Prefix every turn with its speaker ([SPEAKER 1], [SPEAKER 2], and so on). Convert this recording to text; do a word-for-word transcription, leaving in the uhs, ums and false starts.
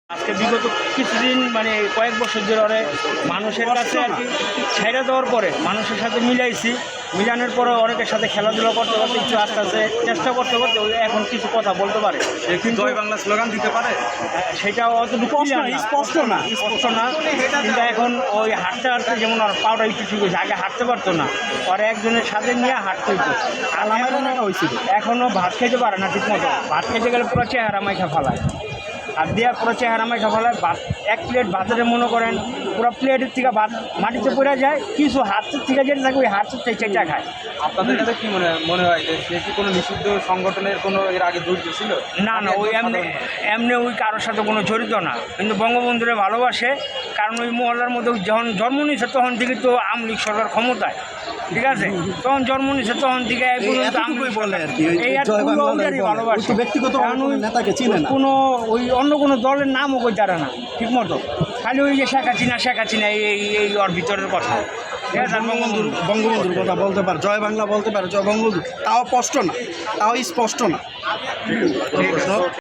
[SPEAKER 1] আজকে বিগত কিছুদিন মানে কয়েক বছর ধরে মানুষের কাছে আর কি ছেড়ে দেওয়ার পরে মানুষের সাথে মিলাইছি, মিলানোর পরে অনেকের সাথে খেলাধুলা করতে করতে কিছু আস্তে আস্তে চেষ্টা করতে করতে ওই এখন কিছু কথা বলতে পারে।
[SPEAKER 2] কিন্তু জয় বাংলা স্লোগান দিতে পারে,
[SPEAKER 1] সেটা অতটুকু স্পষ্ট না স্পষ্ট না কিন্তু এখন ওই হাঁটতে হাঁটতে যেমন আর পাউডার একটু ঠিক হয়েছে, আগে হাঁটতে পারতো না, পরে একজনের সাথে নিয়ে হাঁটতে হইতো। আর এখনো হয়েছিল এখনও ভাত খেতে পারে না ঠিক মতো, ভাত খেতে গেলে পুরো চেহারা মাইখা ফেলায়, আর দেওয়া পুরো চেহারা মাইখা ফেলায়। ভাত এক প্লেট ভাতের মনে করেন পুরো প্লেটের থেকে ভাত মাটিতে পড়ে যায়, কিছু হাতের থেকে যেটা থাকে ওই হাতের থেকে চেঁচা খায়।
[SPEAKER 2] আপনাদের কাছে কি মনে মনে হয় যে সে কি কোনো নিষিদ্ধ সংগঠনের কোনো এর আগে জড়িত ছিল?
[SPEAKER 1] না না, ওই এমনি এমনি ওই কারোর সাথে কোনো জড়িত না, কিন্তু বঙ্গবন্ধুরে ভালোবাসে। কারণ ওই মহল্লার মধ্যে যখন জন্ম নিয়েছে তখন থেকে তো আওয়ামী লীগ সরকার ক্ষমতায়, ঠিক আছে, তখন জন্ম নিয়েছে তখন থেকে ভালোবাসে।
[SPEAKER 3] ব্যক্তিগত নেতাকে চিনে না,
[SPEAKER 1] কোনো ওই অন্য কোনো দলের নামও কই তারা না ঠিক মতো, খালি ওই যে শেখ হাসিনা শেখ হাসিনা এই এই ওর ভিতরের কথা। ঠিক আছে,
[SPEAKER 3] বঙ্গবন্ধুর বঙ্গবন্ধুর কথা বলতে পারে, জয় বাংলা বলতে পারে, জয় বঙ্গবন্ধু, তাও স্পষ্ট না, তাও স্পষ্ট না।